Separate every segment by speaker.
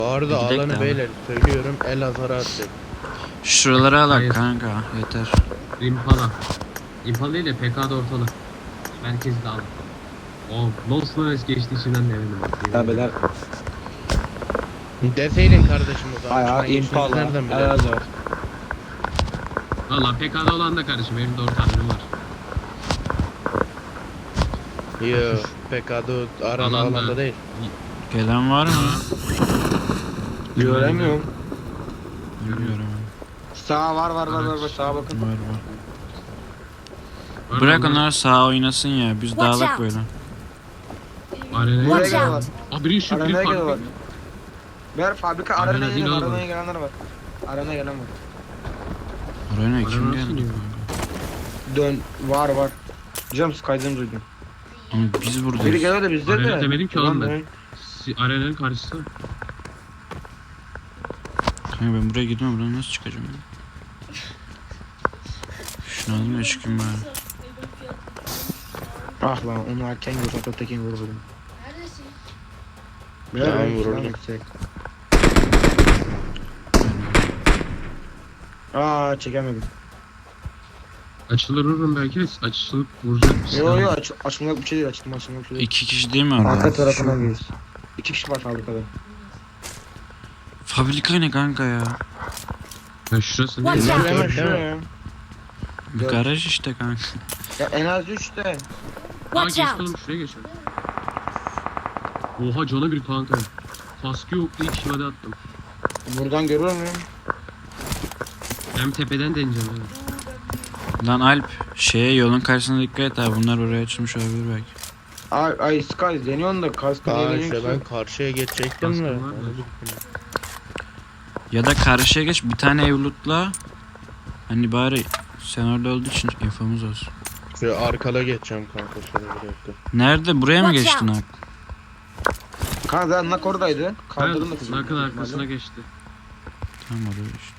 Speaker 1: Bu arada
Speaker 2: Gidek de
Speaker 1: alanı
Speaker 2: ama.
Speaker 1: beyler söylüyorum, el azara atacak.
Speaker 2: Şuraları alak
Speaker 3: Hayır.
Speaker 2: kanka yeter.
Speaker 3: Impala. Impala değil de PK'da ortalı. Merkezi de al. O Lost Noise geçti içinden de eminim.
Speaker 4: Ya beyler.
Speaker 1: Deseydin kardeşim o zaman.
Speaker 4: Aya
Speaker 1: Şuna geçtiğimizi
Speaker 4: Impala.
Speaker 1: nereden bilelim?
Speaker 4: Elazığ.
Speaker 3: Valla PK'da olan da kardeşim benim de ortağım var.
Speaker 1: Yo, PK'da arama
Speaker 3: Alanda.
Speaker 1: alanda değil.
Speaker 2: Gelen var mı?
Speaker 4: Göremiyorum.
Speaker 2: Bilmiyorum.
Speaker 4: Sağ var sağa bakın.
Speaker 2: Var var.
Speaker 3: Var
Speaker 2: Bırak
Speaker 3: onlar.
Speaker 2: onlar sağ oynasın ya. Biz
Speaker 5: Watch
Speaker 2: dağılak
Speaker 5: out.
Speaker 2: böyle.
Speaker 3: Arenaya
Speaker 4: Buraya
Speaker 5: Watch
Speaker 4: geliyorlar.
Speaker 3: Aa biri şu biri
Speaker 4: Arenaya geliyorlar.
Speaker 3: farklı.
Speaker 4: Ver fabrika
Speaker 3: Arena
Speaker 4: arenaya
Speaker 3: değil
Speaker 4: gelen
Speaker 3: oğlum.
Speaker 4: arenaya gelenler var. Arenaya gelen var.
Speaker 2: Oraya ne kim
Speaker 3: Arena
Speaker 2: geldi?
Speaker 3: nasıl
Speaker 4: Dön var. Cam Sky'dan duydum.
Speaker 2: Ama biz
Speaker 4: Biri
Speaker 2: buradayız.
Speaker 4: geliyor da bizde
Speaker 3: Arena
Speaker 4: de.
Speaker 3: demedim ki oğlum ben.
Speaker 4: Dön.
Speaker 3: Arenanın karşısı.
Speaker 2: Kanka ben buraya gidiyorum. Buradan nasıl çıkacağım ya? Şunu alayım da çıkayım bari.
Speaker 4: Ah lan onu erken görsem Totekin vururdum.
Speaker 1: Tamam,
Speaker 4: Tamam
Speaker 1: vururdum.
Speaker 4: Aa çekemedim.
Speaker 3: Açılır vururum belki de açılıp vuracak bir
Speaker 4: Yo açılmak bir şey değil açılmak bir şey değil.
Speaker 2: 2 kişi değil mi orada?
Speaker 4: Arka tarafına giriyoruz. 2 kişi var fabrikada.
Speaker 2: Fabrika ne kanka ya?
Speaker 3: Ya şurası
Speaker 5: Watch
Speaker 3: değil.
Speaker 5: out.
Speaker 4: Hemen
Speaker 1: Dört değil mi?
Speaker 4: şuraya.
Speaker 2: Bir garaj işte kanka.
Speaker 4: Ya en az 3 de.
Speaker 3: Aa
Speaker 5: Watch
Speaker 3: geçti
Speaker 5: out.
Speaker 3: oğlum şuraya geçelim. Oha cana bir kanka. Kaskı yoktu 2 şivade attım.
Speaker 4: Buradan görüyor muyum?
Speaker 3: Hem tepeden deneyeceğim yani.
Speaker 2: Lan Alp yolun karşısına dikkat et abi. Bunlar oraya açılmış olabilir belki.
Speaker 4: Ay Sky deniyorsun da kaskı
Speaker 1: Aa
Speaker 4: deniyorsun
Speaker 1: işte
Speaker 4: ki.
Speaker 1: ben karşıya geçecektim de.
Speaker 3: Kaskım var da.
Speaker 2: Ya da karşıya geç bir tane ev lootla. Hani bari sen orada olduğu için infomuz olsun.
Speaker 1: Şöyle arkada geçeceğim kanka, şöyle bir dakika.
Speaker 2: Nerede? Buraya mı
Speaker 5: Watch
Speaker 2: geçtin
Speaker 5: out.
Speaker 2: abi?
Speaker 4: Kanka nak oradaydı. Kaldırdım da
Speaker 3: Ben
Speaker 4: kızım.
Speaker 3: nakın arkasına geçti.
Speaker 2: Tamam oraya işte.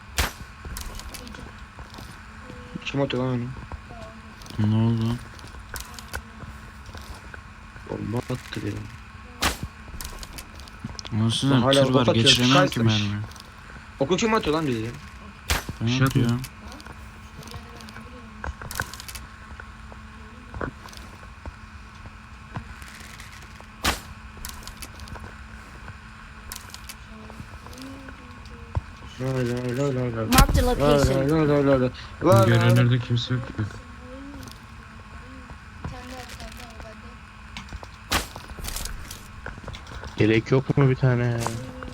Speaker 4: Kim atıyor lan onu?
Speaker 2: Ne oldu?
Speaker 4: Bomba attı diyor.
Speaker 2: Nasıl
Speaker 4: Hala
Speaker 2: tır var
Speaker 4: kapat ya,
Speaker 2: geçiremiyorum ki
Speaker 4: çıkarsın.
Speaker 2: mermi.
Speaker 4: Oku kim atıyor lan bizi?
Speaker 2: Ben
Speaker 3: Şey atma.
Speaker 2: yapıyorum.
Speaker 5: Marked a location.
Speaker 3: Görünürde kimse yok ki.
Speaker 1: Gerek yok mu bir tane ya?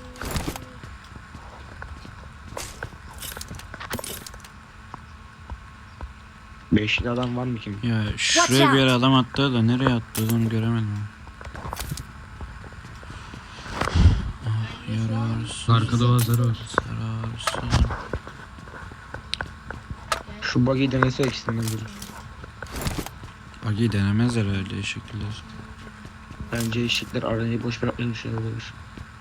Speaker 4: Beşli adam var mı kim?
Speaker 2: Ya şuraya bir yere adam attı da nereye attı onu göremedim. Ah, yararsın.
Speaker 3: Arkada oğazları var.
Speaker 2: Yararsın.
Speaker 4: Şu buggy'i denese ikisinden biri.
Speaker 2: Bagi denemez herhalde şekiller.
Speaker 4: Bence eşitler aranayı boş bırakmış olabilir.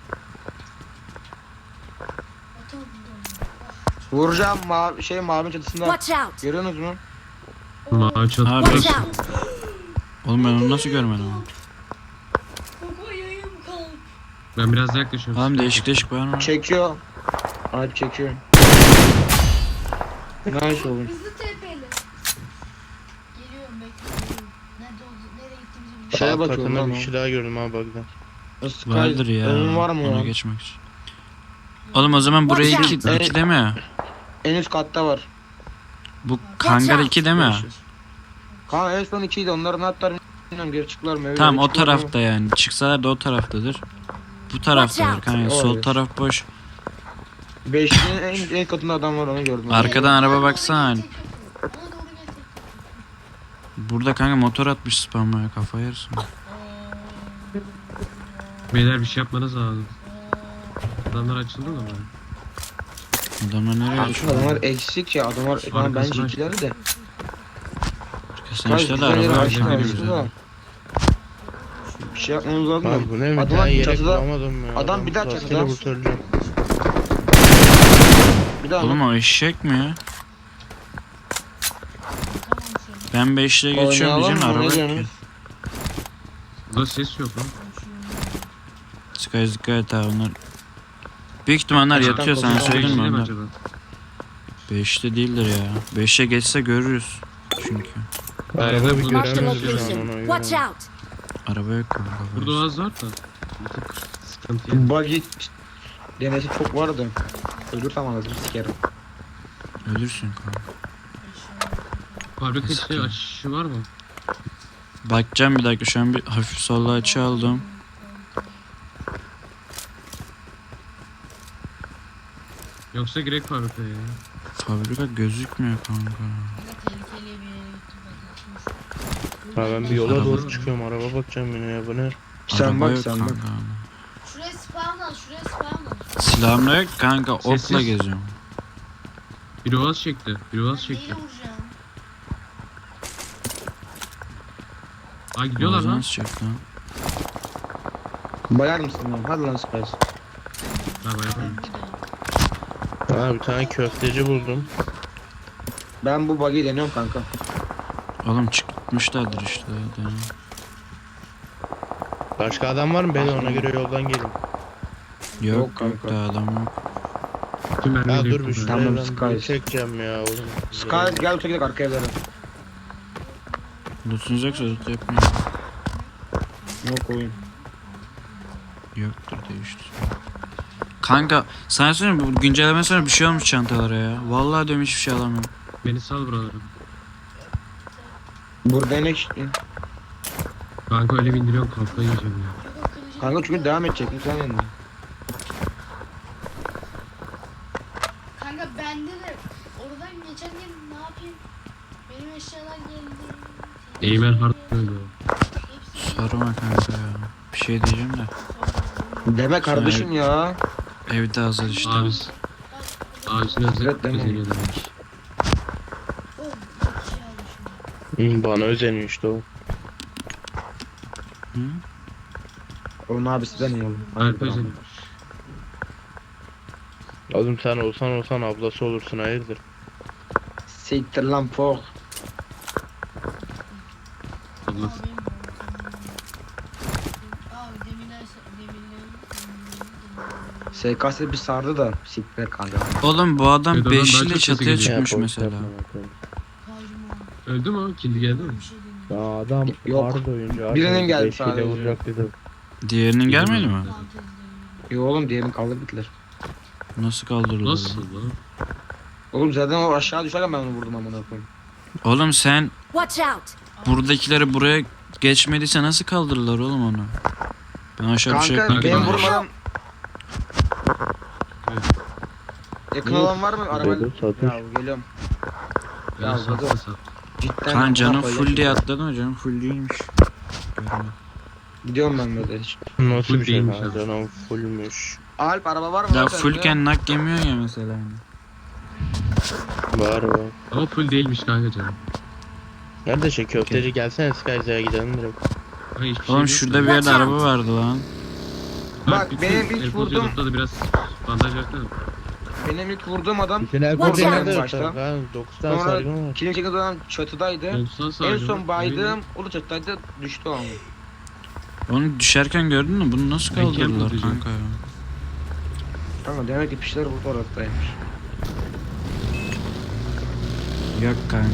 Speaker 4: Vuracağım mavi çatısında.
Speaker 5: Watch out.
Speaker 4: Görüyorsunuz mu?
Speaker 3: Mavi çatı.
Speaker 2: Abi.
Speaker 5: Watch out.
Speaker 2: Oğlum ben onu nasıl görmedim ama.
Speaker 3: Ben biraz daha yaklaşıyorum.
Speaker 2: Oğlum değişik değişik var mı?
Speaker 4: Çekiyor. Alp çekiyor. Nice oğlum.
Speaker 6: Hızlı TP'li. Geliyorum bekliyorum. Nerede oldu? Nereye gittiğimizi
Speaker 4: Şeye
Speaker 1: Alt
Speaker 4: bakıyorum
Speaker 1: katında
Speaker 4: lan
Speaker 1: bir şey daha gördüm abi bug'dan.
Speaker 4: Sky,
Speaker 2: Vardır ya.
Speaker 4: önün var mı
Speaker 2: Ona
Speaker 4: lan?
Speaker 2: geçmek için. Oğlum o zaman buraya
Speaker 5: Watch
Speaker 2: 2
Speaker 4: out.
Speaker 2: değil mi?
Speaker 4: En üst katta var.
Speaker 2: Bu hangar
Speaker 5: out.
Speaker 2: 2 değil mi?
Speaker 4: Kanka en son 2'ydi onların hatta bilmiyorum geri çıktılar mı?
Speaker 2: Tamam o
Speaker 4: Çıktılar mı?
Speaker 2: tarafta yani. Çıksalar da o taraftadır. Bu taraftadır
Speaker 5: out.
Speaker 2: kanka. Sol
Speaker 4: Olabilir.
Speaker 2: taraf boş.
Speaker 4: Beşliğin en katında adam var onu gördüm.
Speaker 2: Arkadan araba baksana.
Speaker 6: Ona doğru gel.
Speaker 2: Burada kanka motor atmış spamaya, kafa yersin.
Speaker 3: Beyler bir şey yapmanız lazım. Adamlar açıldı da bari.
Speaker 2: Adamlar nereye
Speaker 4: Kanka
Speaker 2: düşüyor?
Speaker 4: adamlar eksik ya adamlar tamam bence
Speaker 3: Arkasına-
Speaker 4: ikileri de.
Speaker 2: Kesin işte de araba
Speaker 4: Güzel
Speaker 2: var
Speaker 4: yere
Speaker 2: şimdi
Speaker 4: açtı
Speaker 2: bize.
Speaker 4: da. Bir şey yapmamız lazım
Speaker 1: Abi bu
Speaker 4: da.
Speaker 1: ne, bir
Speaker 4: Adamlar
Speaker 1: tane yere
Speaker 4: çatıda-
Speaker 1: bulamadım ya.
Speaker 4: adam bir daha
Speaker 1: rastgele
Speaker 4: çatıda.
Speaker 1: kurtaracağım.
Speaker 4: Bir daha
Speaker 2: Oğlum o eşek mi ya? Ben 5'le geçiyorum
Speaker 4: Oynayalım
Speaker 2: diyeceğim
Speaker 4: mı?
Speaker 2: araba
Speaker 4: Ne
Speaker 2: yok ki.
Speaker 4: diyorsunuz?
Speaker 3: Burada ses yok lan.
Speaker 2: Sky dikkat et abi onlar Büyük ihtimaller
Speaker 4: Gerçekten
Speaker 2: yatıyor, sana
Speaker 4: kocaman
Speaker 2: söyleyeyim mi
Speaker 3: Beşli mi
Speaker 2: onlar?
Speaker 3: acaba?
Speaker 2: 5'te değildir ya. 5'e geçse görürüz. Çünkü.
Speaker 1: Araba bir
Speaker 3: Marked
Speaker 1: göremiyoruz şu an
Speaker 5: location.
Speaker 1: ona
Speaker 5: Watch
Speaker 1: göre.
Speaker 5: out!
Speaker 2: Araba yok kanka.
Speaker 3: Burada Oğaz var da. Bir tık sıkıntı yani.
Speaker 4: Buggy denesi çok vardı. Ölürsem anasını sikerim.
Speaker 2: Ölürsün kanka.
Speaker 3: Fabrika içi
Speaker 2: Sıkıntı.
Speaker 3: açışı var mı?
Speaker 2: Bakacağım bir dakika, şu an bir hafif solla açı aldım.
Speaker 3: Yoksa girek fabrikaya ya.
Speaker 2: Fabrika gözükmüyor kanka.
Speaker 6: Tehlikeli bir yere gittim
Speaker 1: Ha ben bir yola
Speaker 2: Araba-
Speaker 1: doğru çıkıyorum. Araba bakacağım yine ya, bu ne?
Speaker 4: Sen
Speaker 2: Araba
Speaker 4: bak
Speaker 2: yok
Speaker 4: sen bak.
Speaker 2: kanka.
Speaker 6: Şuraya spawn al, şuraya spawn al.
Speaker 2: Silahım da yok kanka, okla
Speaker 3: Sessiz.
Speaker 2: geziyorum.
Speaker 3: Biri Oğaz çekti. Biri Oğaz
Speaker 6: Ben
Speaker 3: çekti.
Speaker 6: neyle vuracağım?
Speaker 3: Aa gidiyorlar lan.
Speaker 2: Nasıl çek lan?
Speaker 4: Bayar mısın lan? Hadi lan Spice.
Speaker 3: Bravo yapalım.
Speaker 6: Bir de.
Speaker 1: Ha bir tane köfteci buldum.
Speaker 4: Ben bu buggy'i deniyorum kanka.
Speaker 2: Oğlum çıkmışlardır işte. Hadi.
Speaker 1: Başka adam var mı? Ben ona göre yoldan gelin.
Speaker 2: Yok
Speaker 4: Yok
Speaker 2: yok,
Speaker 4: kanka.
Speaker 2: da adam yok.
Speaker 3: Tüm
Speaker 1: Ya
Speaker 3: mermiyi
Speaker 1: dur bir
Speaker 3: döktüm ben.
Speaker 4: Tamam,
Speaker 1: şuraya ben bir
Speaker 4: Sky.
Speaker 1: çekeceğim ya oğlum.
Speaker 4: Sky gel öteki arka evlere.
Speaker 2: Lootunuz yoksa loot yapmayın.
Speaker 4: Yok oyun.
Speaker 2: Yoktur değiştir. Kanka sana söyleyeyim, bu güncelleme sonra bir şey olmuş çantalara ya. Vallahi diyorum, hiçbir şey alamıyorum.
Speaker 3: Beni sal buralara.
Speaker 4: Burada ne işte?
Speaker 3: Kanka öyle bindiriyorum kafayı yiyeceğim ya.
Speaker 6: Yok, kılıcım
Speaker 4: Kanka
Speaker 6: yok.
Speaker 4: çünkü devam edecek. Sen yanında.
Speaker 6: Kanka bende de oradan geçerken ne yapayım? Benim eşyalar geldi.
Speaker 3: Eymen hard öyle.
Speaker 6: Hepsi
Speaker 2: Sorma kanka ya. Bir şey diyeceğim de.
Speaker 4: Deme kardeşim ya.
Speaker 2: Evde hazır işte.
Speaker 3: Abis. Abisine
Speaker 4: Evet,
Speaker 3: özel
Speaker 4: deme.
Speaker 3: özeniyor demek.
Speaker 6: Oh, çok şey almışım.
Speaker 1: Bana özeniyor işte o.
Speaker 2: Hı?
Speaker 4: Onun abisinden iyi oğlum.
Speaker 3: Alp özeniyor.
Speaker 1: Oğlum sen olsan ablası olursun, hayırdır?
Speaker 4: Siktir lan pok.
Speaker 3: Allah.
Speaker 6: Abi demirler
Speaker 4: SKS bir sardı da siktir kanka.
Speaker 2: Oğlum bu adam
Speaker 3: Bedo'dan daha
Speaker 2: 5
Speaker 3: çok
Speaker 2: ile
Speaker 3: sesi
Speaker 2: çatıya
Speaker 3: geliyor.
Speaker 2: çıkmış
Speaker 1: Ya,
Speaker 2: mesela.
Speaker 1: yapma bakalım.
Speaker 3: Öldü mü o? Kindi geldi mi?
Speaker 6: bir şey demiyorum.
Speaker 1: Ya adam
Speaker 4: Yok.
Speaker 1: hard oyuncu.
Speaker 4: Birinin geldi
Speaker 1: Beşiyle
Speaker 4: sadece.
Speaker 1: vuracak dedim.
Speaker 2: Diğerinin gelmedi mi?
Speaker 6: Fantezi demiyorum.
Speaker 4: Yo oğlum diğerini kaldır bittiler.
Speaker 2: Nasıl kaldırıldı?
Speaker 3: Nasıl lan?
Speaker 4: Oğlum zaten o aşağı düşerken ben onu vurdum amına koyayım.
Speaker 2: Oğlum sen
Speaker 5: Watch out!
Speaker 2: buradakileri buraya geçmediyse nasıl kaldırırlar oğlum onu? Ben aşağı bir şey
Speaker 4: Kanka
Speaker 3: kanka,
Speaker 4: benim
Speaker 3: kanka.
Speaker 4: vurmadan
Speaker 3: Evet.
Speaker 4: yakın olan var mı? Araba...
Speaker 1: Bedo satış.
Speaker 4: Ya geliyorum. Ya,
Speaker 3: Ya sat
Speaker 4: Bedo.
Speaker 3: sat.
Speaker 4: Cidden
Speaker 2: Kan canım
Speaker 4: amına
Speaker 2: full
Speaker 4: koyayım.
Speaker 2: diye atladın mı? Canım full değilmiş. Görmedim.
Speaker 4: Gidiyorum ben böyle hiç.
Speaker 1: Nasıl
Speaker 3: Full
Speaker 1: bir şey
Speaker 3: değilmiş
Speaker 1: lan,
Speaker 3: abi.
Speaker 1: canım fullmüş.
Speaker 4: Alp araba var mı?
Speaker 2: Ya
Speaker 4: lan sende?
Speaker 2: fullken nak yemiyor ya mesela.
Speaker 1: Var var.
Speaker 3: Ama full değilmiş kanka canım.
Speaker 1: Nerede şey köfteci, gelsene Skyza'ya gidelim direkt.
Speaker 3: Ha, hiçbir şey
Speaker 2: Oğlum
Speaker 3: yok
Speaker 2: şurada
Speaker 3: ya.
Speaker 2: bir yerde
Speaker 5: Watch
Speaker 2: araba vardı lan.
Speaker 4: Bak,
Speaker 3: bütün
Speaker 4: benim ilk
Speaker 3: Erkoz
Speaker 4: vurdum-
Speaker 3: Yolunda da biraz bandaj versene.
Speaker 4: Benim ilk vurduğum adam
Speaker 1: Bütün el
Speaker 5: Watch
Speaker 1: kodu
Speaker 5: out.
Speaker 1: nerede
Speaker 4: Başta.
Speaker 1: yok? Ha 9 tane
Speaker 4: Sonra
Speaker 1: sargın var.
Speaker 4: kilim çeken adam çatıdaydı.
Speaker 3: 90
Speaker 4: En
Speaker 3: sadece.
Speaker 4: son baydım. O da çatıdaydı. Düştü o an.
Speaker 2: Onu düşerken gördün mü? Bunu nasıl
Speaker 3: Ben
Speaker 2: kaldırdılar
Speaker 3: kendim
Speaker 2: kanka ya?
Speaker 4: Kanka demek ki pişler burada ortadaymış.
Speaker 2: Yok kanka.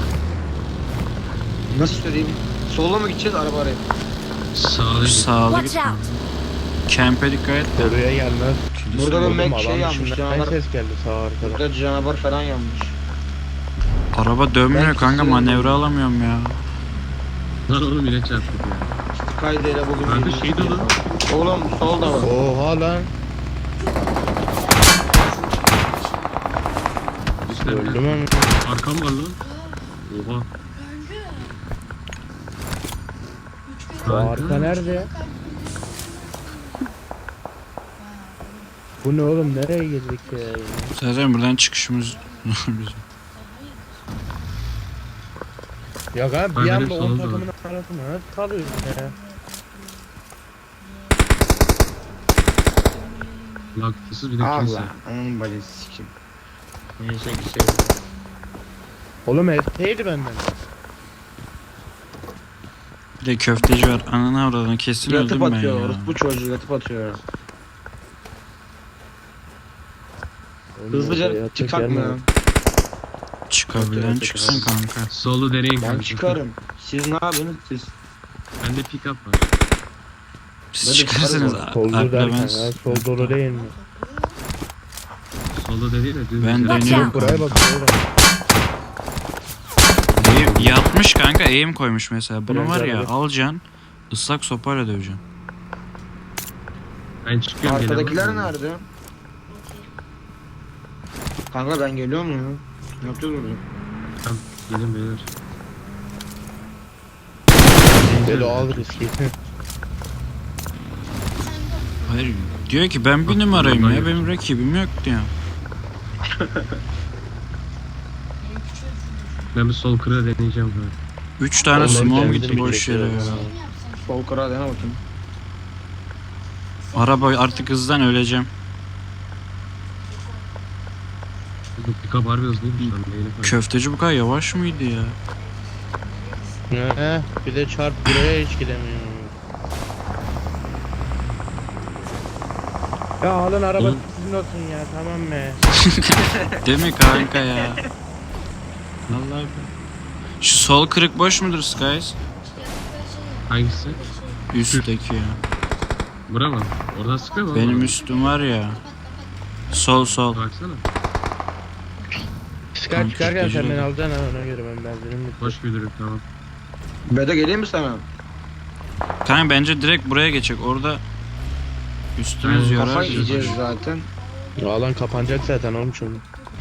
Speaker 4: Nasıl söyleyeyim? Sola mı gideceğiz araba araya?
Speaker 3: Sağda
Speaker 2: Sağlı
Speaker 5: Watch
Speaker 2: gitme.
Speaker 5: out!
Speaker 2: Camp'e dikkat et de.
Speaker 1: Oraya gelmez.
Speaker 4: Burada bir
Speaker 1: Oğlum,
Speaker 4: Mac şey
Speaker 1: alan
Speaker 4: yanmış,
Speaker 1: dışından
Speaker 4: canavar.
Speaker 1: ses geldi sağ arkada.
Speaker 4: Burada canavar falan yanmış.
Speaker 2: Araba dönmüyor
Speaker 4: Ben
Speaker 2: kanka,
Speaker 4: kesin-
Speaker 2: manevra alamıyorum ya.
Speaker 3: Lan oğlum yine çarptık ya.
Speaker 4: Sky'deyle bugün
Speaker 3: Kanka
Speaker 4: birinci
Speaker 3: şey dolu.
Speaker 4: Oğlum solda var.
Speaker 1: Oha lan.
Speaker 3: İşte
Speaker 1: Öldüm ama.
Speaker 3: arkam var lan. Oha.
Speaker 6: Kanka. Üç kere
Speaker 3: Kanka.
Speaker 1: Arka nerede ya?
Speaker 6: kalp-
Speaker 1: Bu ne oğlum, nereye girdik ya?
Speaker 2: Zaten buradan çıkışımız bizim.
Speaker 1: Ya abi
Speaker 3: Ben
Speaker 1: bir
Speaker 3: benim
Speaker 1: anda 10
Speaker 3: sonunda
Speaker 1: takımın arasında nasıl kalıyorsun ya?
Speaker 3: Laktısız bir de kilise.
Speaker 4: Allah. Onun bacısı sikim. Neyse ki şey.
Speaker 1: Oğlum esteydi benden.
Speaker 2: Bir de köfteci var. Ananı avradını kesin
Speaker 4: Yatıp
Speaker 2: öldüm ben
Speaker 4: atıyor.
Speaker 2: ya.
Speaker 4: Orospu çocuğu yatıp atıyor. Hızlıca çıksak mı ya?
Speaker 2: Çıkabilen çıksın kanka.
Speaker 3: Solu deneyin
Speaker 4: Ben
Speaker 3: kanka.
Speaker 4: çıkarım. Siz ne yapıyorsunuz siz?
Speaker 3: Bende pick up var.
Speaker 2: Siz
Speaker 4: Böyle
Speaker 2: çıkarsınız.
Speaker 4: çıkarız
Speaker 1: Soldu
Speaker 2: Alp'le
Speaker 1: derken
Speaker 2: ben,
Speaker 1: ya. Sol dolu değil mi?
Speaker 3: Solu dediği de düz.
Speaker 2: ben
Speaker 3: güzel.
Speaker 2: deniyorum
Speaker 1: Buraya
Speaker 2: kanka.
Speaker 1: bak buraya.
Speaker 2: Yatmış kanka, eğim koymuş mesela. Bunu var ya,
Speaker 1: Bence
Speaker 2: alacaksın, ıslak sopayla döveceksin.
Speaker 3: Ben çıkıyorum.
Speaker 4: Arkadakiler
Speaker 3: gelemem.
Speaker 4: nerede? Kanka ben geliyorum ya. Ne yapacağız burada?
Speaker 3: Tamam, gelin beyler.
Speaker 1: Böyle al riski.
Speaker 2: Hayır, diyor ki ben bir
Speaker 3: Bak,
Speaker 2: numarayım
Speaker 3: bundan
Speaker 2: ya,
Speaker 3: yok.
Speaker 2: benim rakibim yok diyor.
Speaker 3: Ben bir sol kırığı deneyeceğim böyle.
Speaker 2: 3 tane
Speaker 1: Oğlum,
Speaker 2: small
Speaker 1: ben
Speaker 2: gitti
Speaker 1: kendim
Speaker 2: boş yere ya.
Speaker 1: çekiyorum.
Speaker 4: Sol kırağa dene bakayım.
Speaker 2: Araba artık hızdan öleceğim.
Speaker 3: Bu pick up harbi hızlıymış lan. Neyine koyayım.
Speaker 2: Köfteci bu kadar yavaş mıydı ya?
Speaker 1: Bir de çarp buraya hiç gidemiyorum. Ya alın araba
Speaker 3: Oğlum.
Speaker 1: sizin olsun ya, tamam mı?
Speaker 2: Değil mi kanka ya? Vallahi şu sol kırık boş mudur Skies?
Speaker 3: Hangisi?
Speaker 2: Üstteki ya.
Speaker 3: Bura mı? Oradan sıkıyor mu?
Speaker 2: Benim üstüm var ya. Sol sol.
Speaker 3: Baksana.
Speaker 1: Çıkar çıkarken
Speaker 2: Türkçe
Speaker 1: sen beni
Speaker 2: oldu.
Speaker 1: alacaksın ha, ona göre ben benzinim bitti.
Speaker 3: Hoş müdürüm tamam.
Speaker 4: Bedo geleyim mi sana?
Speaker 2: Kanka bence direkt buraya geçecek. Orada üstümüz
Speaker 3: Aynen,
Speaker 2: yorar.
Speaker 4: Kafa
Speaker 2: bizi.
Speaker 4: yiyeceğiz zaten.
Speaker 1: Ya alan kapanacak zaten oğlum şimdi.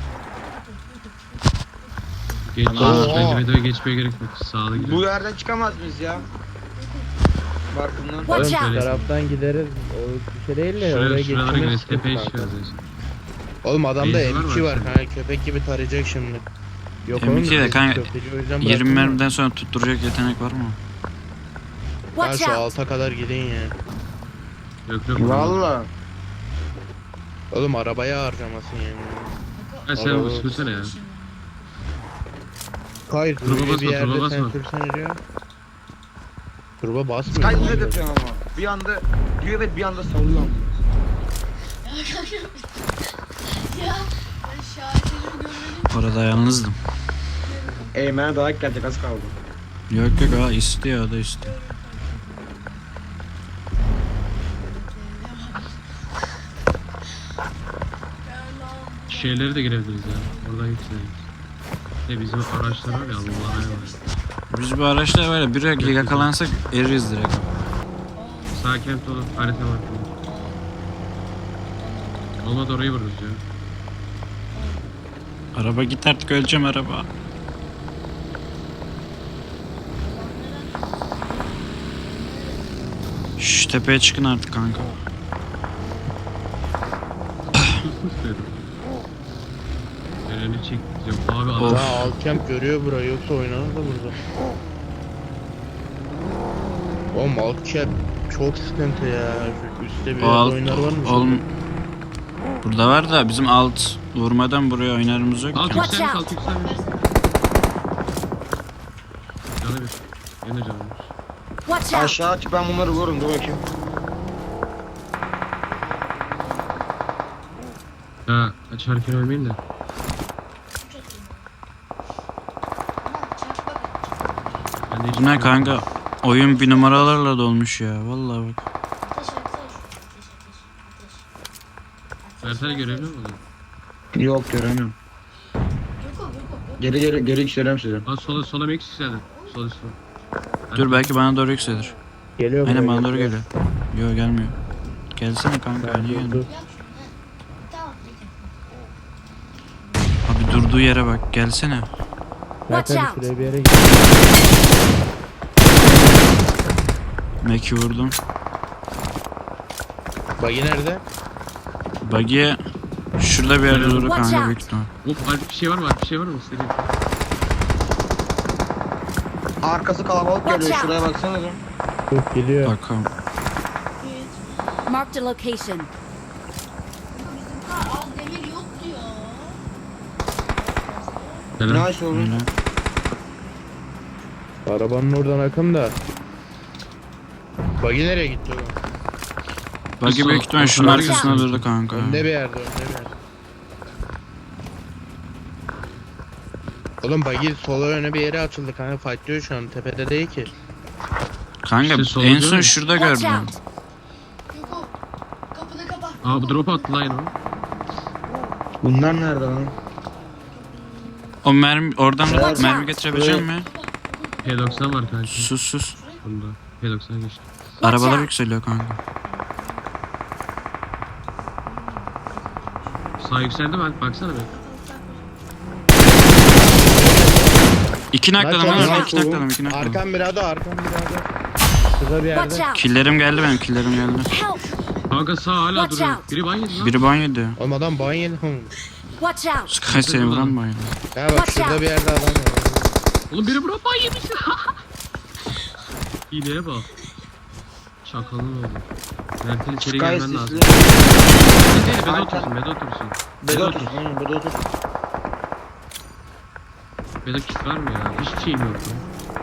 Speaker 3: Geç.
Speaker 1: Oo.
Speaker 3: Bence Bedo'ya geçmeye gerek yok. Sağlı gidelim.
Speaker 4: Bu yerden çıkamaz mıyız ya? Barkından.
Speaker 1: Oğlum
Speaker 6: Watch
Speaker 1: şu
Speaker 6: out.
Speaker 1: taraftan gideriz. O bir şey değil de oraya
Speaker 3: Şuralara
Speaker 1: geçmemiz
Speaker 3: gireriz.
Speaker 1: sıkıntı
Speaker 3: Tepeye
Speaker 1: kanka.
Speaker 3: çıkarız.
Speaker 1: Oğlum adamda
Speaker 3: Benzin var mı
Speaker 1: M2 var
Speaker 3: aslında?
Speaker 1: kanka, köpek gibi tarayacak şimdi. Yok
Speaker 2: M2
Speaker 1: oğlum,
Speaker 2: de
Speaker 1: biz
Speaker 2: kanka,
Speaker 1: köfteci o yüzden
Speaker 2: 20
Speaker 1: bıraktım
Speaker 2: mermiden sonra tutturacak yetenek var mı?
Speaker 1: ben.
Speaker 6: Watch
Speaker 1: Şu
Speaker 6: out.
Speaker 1: alta kadar gidin ya.
Speaker 3: Yok yok.
Speaker 4: Valla.
Speaker 1: Oğlum arabaya harcamasın yani.
Speaker 3: Ha sen
Speaker 1: Araba-
Speaker 3: sürsene ya.
Speaker 1: Hayır,
Speaker 3: Turbo
Speaker 1: böyle
Speaker 3: basma,
Speaker 1: bir yerde
Speaker 3: turbo
Speaker 1: sen
Speaker 3: basma.
Speaker 1: sürsene diyor. Turbo basmıyor.
Speaker 4: Sky ne yapıyor ama? Bir anda diyor ve bir anda salıyor.
Speaker 6: Ya ben şahitlerimi görmedim.
Speaker 2: Orada yalnızdım.
Speaker 4: Eymen'e dayak gelecek az kaldı.
Speaker 2: Yok yok, ha istiyor, o da istiyor.
Speaker 3: Şeyleri de girebiliriz ya. Oradan yükseliriz. Bizim araçlar var ya Allah'a emanet.
Speaker 2: Biz bu araçla böyle bir yakalansak eririz direkt.
Speaker 3: Sağ kent dolu. Harita var. Olmadı orayı vururuz ya.
Speaker 2: Araba git artık, öleceğim araba. Şş, tepeye çıkın artık kanka.
Speaker 3: Sus dedim. Elini çekeceğim. Abi
Speaker 2: Of.
Speaker 3: adam.
Speaker 1: Daha Alcamp görüyor burayı, yoksa oynanır da burada. Oğlum Alcamp çok sıkıntı ya. Şu üstte bir
Speaker 2: O alt,
Speaker 1: oyunlar var mı?
Speaker 2: oğlum burada var da bizim alt vurmadan buraya oynarımız yok
Speaker 3: Alt
Speaker 2: ki.
Speaker 6: Watch
Speaker 3: yükselmiş,
Speaker 6: out.
Speaker 3: alt yükselmiş. Canı bir. Yine canı bir.
Speaker 6: Watch out.
Speaker 4: Aşağı aç, ben bunları vururum, dur bakayım.
Speaker 3: Ya açarken ölmeyin de. Ben de hiç
Speaker 2: Bu ne kanka? Oyun bir numaralarla dolmuş ya. Vallahi bak.
Speaker 6: Ateş ateş. Ateş ateş.
Speaker 3: Versene görevli mi oldu?
Speaker 4: Yok göremiyorum.
Speaker 6: Yok yok yok.
Speaker 4: Geri yükseliyorum size.
Speaker 3: Aa sola mı yükseldi? Sol üstü.
Speaker 2: Dur belki bana doğru yükselir.
Speaker 1: Geliyor
Speaker 2: Aynen
Speaker 1: buraya,
Speaker 2: bana doğru geliyor. Yok gelmiyor. Gelsene kanka, niye
Speaker 1: Dur,
Speaker 2: geldin?
Speaker 1: dur.
Speaker 6: Yap şunu. Tamam peki.
Speaker 2: Abi durduğu yere bak, gelsene.
Speaker 6: Watch
Speaker 1: Zaten
Speaker 6: out.
Speaker 1: şuraya bir yere git.
Speaker 2: Mac'i vurdum.
Speaker 1: Buggy nerede?
Speaker 2: Buggy'e şurada bir yerde durdu
Speaker 6: Watch
Speaker 2: kanka
Speaker 6: out.
Speaker 2: büyük ihtimal.
Speaker 3: Hop Alp bir şey var mı? Alp bir şey var mı? İstediğin.
Speaker 4: Arkası kalabalık
Speaker 6: Watch
Speaker 4: geliyor,
Speaker 6: out.
Speaker 4: şuraya baksana dur.
Speaker 1: Dur geliyor.
Speaker 2: Bakalım.
Speaker 6: Marked a location.
Speaker 5: Al demir yok diyor.
Speaker 3: Neden?
Speaker 4: Nice oğlum.
Speaker 2: Öyle.
Speaker 1: Arabanın oradan akın da. Buggy nereye gitti oğlum?
Speaker 2: Buggy
Speaker 3: Sol-
Speaker 2: büyük ihtimal
Speaker 3: sol
Speaker 2: şunun
Speaker 3: tarafa
Speaker 2: arkasında
Speaker 3: geçiyor.
Speaker 2: durdu kanka.
Speaker 1: Önde bir yerde, önde bir yerde. Oğlum bagi sola öne bir yere açıldı kanka, fightlıyor şu an, tepede değil ki.
Speaker 2: Kanka
Speaker 3: İşte solda
Speaker 2: en son
Speaker 3: mi?
Speaker 2: şurada
Speaker 6: Watch
Speaker 2: gördüm.
Speaker 6: out. Göko. Kapını kapa.
Speaker 3: Aa bu drop attı lan o.
Speaker 4: Bunlar nerede lan?
Speaker 2: O mermi oradan
Speaker 6: Watch
Speaker 2: mermi
Speaker 6: out.
Speaker 2: getirebilecek mi?
Speaker 3: P90 var kanka.
Speaker 2: Sus.
Speaker 3: Bunda. P90 geçti.
Speaker 2: Arabalar
Speaker 6: out.
Speaker 2: yükseliyor kanka.
Speaker 3: Sağ yükseldi mi Alp? Baksana be.
Speaker 2: İki nakladım
Speaker 1: Lan
Speaker 2: lan
Speaker 1: çok
Speaker 2: orada,
Speaker 1: uzak
Speaker 2: iki nakladım,
Speaker 1: oğlum.
Speaker 2: iki nakladım.
Speaker 1: Arkam birader, arkam birader. Şurada bir
Speaker 6: Watch
Speaker 1: yerde.
Speaker 6: out.
Speaker 2: Killerim geldi benim, killerim geldi.
Speaker 6: Help.
Speaker 3: Kanka sağ hala
Speaker 6: Watch
Speaker 3: duruyor.
Speaker 6: out.
Speaker 3: Biri ban yedi lan.
Speaker 2: Biri banyo diyor.
Speaker 1: Oğlum adam ban yedi oğlum.
Speaker 6: Watch out.
Speaker 2: Sky seni vuran banyo.
Speaker 1: Ya bak
Speaker 6: Watch
Speaker 1: şurada
Speaker 6: out.
Speaker 1: bir yerde adam var.
Speaker 3: Oğlum biri bro ban yemiş. İğneye bak. Şakalın oldu. Mert'in içeri
Speaker 4: Sky
Speaker 3: gelmen
Speaker 4: sisli.
Speaker 3: lazım. Değil, bede
Speaker 4: Arka-
Speaker 3: otursun, bede otursun.
Speaker 4: Bede otur. Aynen bede otur.
Speaker 3: Bede kit var mı ya? Hiçbir şeyim yok lan.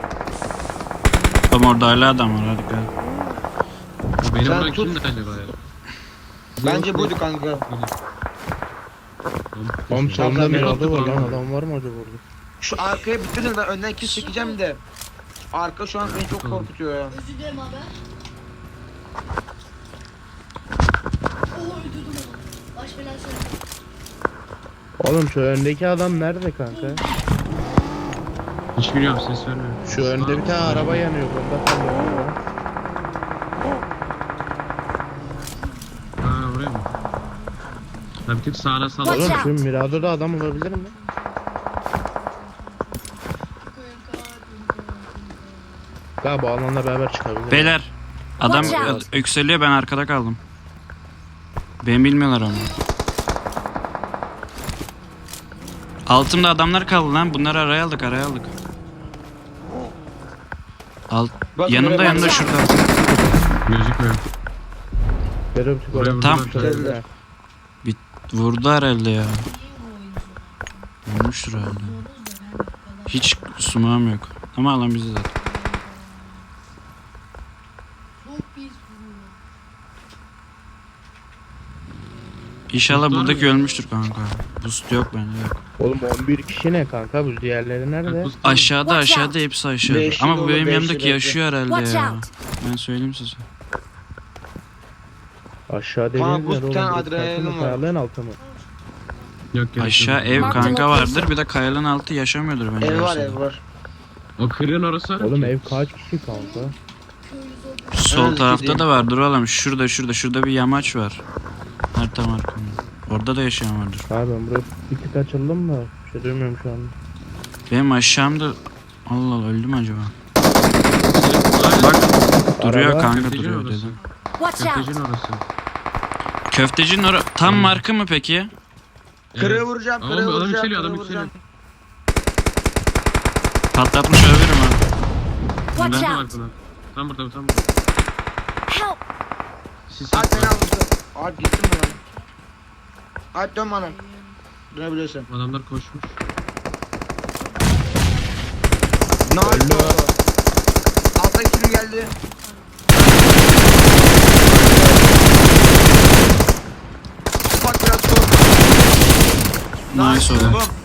Speaker 2: Oğlum orada hala adam var, hadi gel.
Speaker 3: O benim
Speaker 4: Sen
Speaker 3: bırak
Speaker 4: tut.
Speaker 3: kimdi acaba ya?
Speaker 4: Bence buydu kanka.
Speaker 1: Oğlum
Speaker 3: Sen
Speaker 1: sonunda
Speaker 3: beni
Speaker 1: bir
Speaker 3: attın
Speaker 1: adı var lan,
Speaker 3: lan.
Speaker 1: adam var mı acaba orada?
Speaker 4: Şu arkaya bitirin, ben önden kill çekeceğim de. Arka şu an beni çok
Speaker 3: Tamam.
Speaker 4: korkutuyor ya.
Speaker 6: Özür dilerim abi. Oo öldürdüm onu. Baş belası.
Speaker 1: Oğlum şu öndeki adam nerede kanka?
Speaker 3: Hiç biliyorum, ses vermiyor.
Speaker 1: Şu önde bir tane araba yanıyor, bunda kalıyor.
Speaker 3: Ha oraya mı? Ha bir tık sağına sağ.
Speaker 6: Watch
Speaker 1: Oğlum
Speaker 6: out.
Speaker 1: şu Mirado'da adam olabilir mi? Galiba bu alanla beraber çıkabilir.
Speaker 2: Beyler, adam
Speaker 6: Watch out.
Speaker 2: yükseliyor, ben arkada kaldım. Beni bilmiyorlar ama. Altımda adamlar kaldı lan, bunları araya aldık.
Speaker 4: Bak,
Speaker 2: Yanımda
Speaker 4: buraya bak.
Speaker 2: şurada.
Speaker 3: Gözükmüyor.
Speaker 1: Görüp
Speaker 3: Buraya
Speaker 1: çıkalım.
Speaker 2: Tam-
Speaker 3: vurdular.
Speaker 2: Vurdu herhalde ya. Vurmuştur herhalde. Hiç sumağım yok. Ama alan bizi zaten.
Speaker 6: Çok pis vuruyor.
Speaker 2: İnşallah
Speaker 3: Boost var
Speaker 2: buradaki
Speaker 3: mı?
Speaker 2: ölmüştür kanka. Boost yok bende yok.
Speaker 1: Oğlum 11 kişi ne kanka, bu diğerleri nerede?
Speaker 2: Aşağıda
Speaker 6: Watch
Speaker 2: aşağıda hepsi aşağıda.
Speaker 4: Beşli
Speaker 2: Ama bu
Speaker 4: dolu,
Speaker 2: benim
Speaker 4: beşli
Speaker 2: yanımdaki
Speaker 4: bekle.
Speaker 2: yaşıyor herhalde
Speaker 6: Watch
Speaker 2: ya.
Speaker 6: out.
Speaker 2: Ben söyleyeyim size.
Speaker 1: Aşağı
Speaker 4: Kanka,
Speaker 1: dediğiniz
Speaker 4: bu
Speaker 1: yer oğlum.
Speaker 4: tane
Speaker 1: Bu
Speaker 4: adrenalin
Speaker 1: tarafın
Speaker 4: var.
Speaker 1: kayalığın altı mı?
Speaker 3: Yok gerek
Speaker 2: Aşağı
Speaker 3: yok.
Speaker 2: ev
Speaker 6: Marked
Speaker 2: kanka
Speaker 6: location.
Speaker 2: vardır. Bir de kayanın altı yaşamıyordur bence.
Speaker 4: Ev var,
Speaker 2: aşağıda.
Speaker 4: ev var.
Speaker 3: O kırığın orası var.
Speaker 1: Oğlum
Speaker 3: ki.
Speaker 1: ev kaç kişi kanka?
Speaker 6: Köylü zor.
Speaker 2: Sol
Speaker 4: Evet,
Speaker 2: tarafta
Speaker 4: gideyim.
Speaker 2: da vardır oğlum. Şurada bir yamaç var. Harita markamda. Orada da yaşayan vardır.
Speaker 1: Abi ben buraya bir tık açıldım da bir şey duymuyorum şu an.
Speaker 2: Benim aşağımda... Allah Allah, öldü mü acaba?
Speaker 3: Aynen.
Speaker 2: Bak duruyor
Speaker 1: Araba.
Speaker 2: kanka,
Speaker 3: Köfteci
Speaker 2: duruyor
Speaker 3: orası.
Speaker 2: dedim.
Speaker 6: Watch out.
Speaker 3: Köftecinin orası.
Speaker 2: Köftecinin tam markı mı peki?
Speaker 4: Kırığı vuracağım,
Speaker 3: Ama
Speaker 4: kırığı
Speaker 3: adam
Speaker 4: vuracağım,
Speaker 3: yükseliyor,
Speaker 4: kırığı
Speaker 3: adam
Speaker 4: vuracağım.
Speaker 2: Patlatmış olabilirim ha.
Speaker 6: Watch
Speaker 2: Ben-
Speaker 6: out.
Speaker 3: Tam burada, tam burada.
Speaker 6: Help.
Speaker 3: Siz
Speaker 4: Alp beni
Speaker 3: saklan.
Speaker 4: aldı. Alp gittim ben. Alp dön bana. Dönebilirsin.
Speaker 3: Adamlar koşmuş.
Speaker 4: Ne
Speaker 1: Öldü.
Speaker 4: oldu? Altta kim geldi? Bak biraz sol.
Speaker 2: Nice oğlum.
Speaker 4: Bum.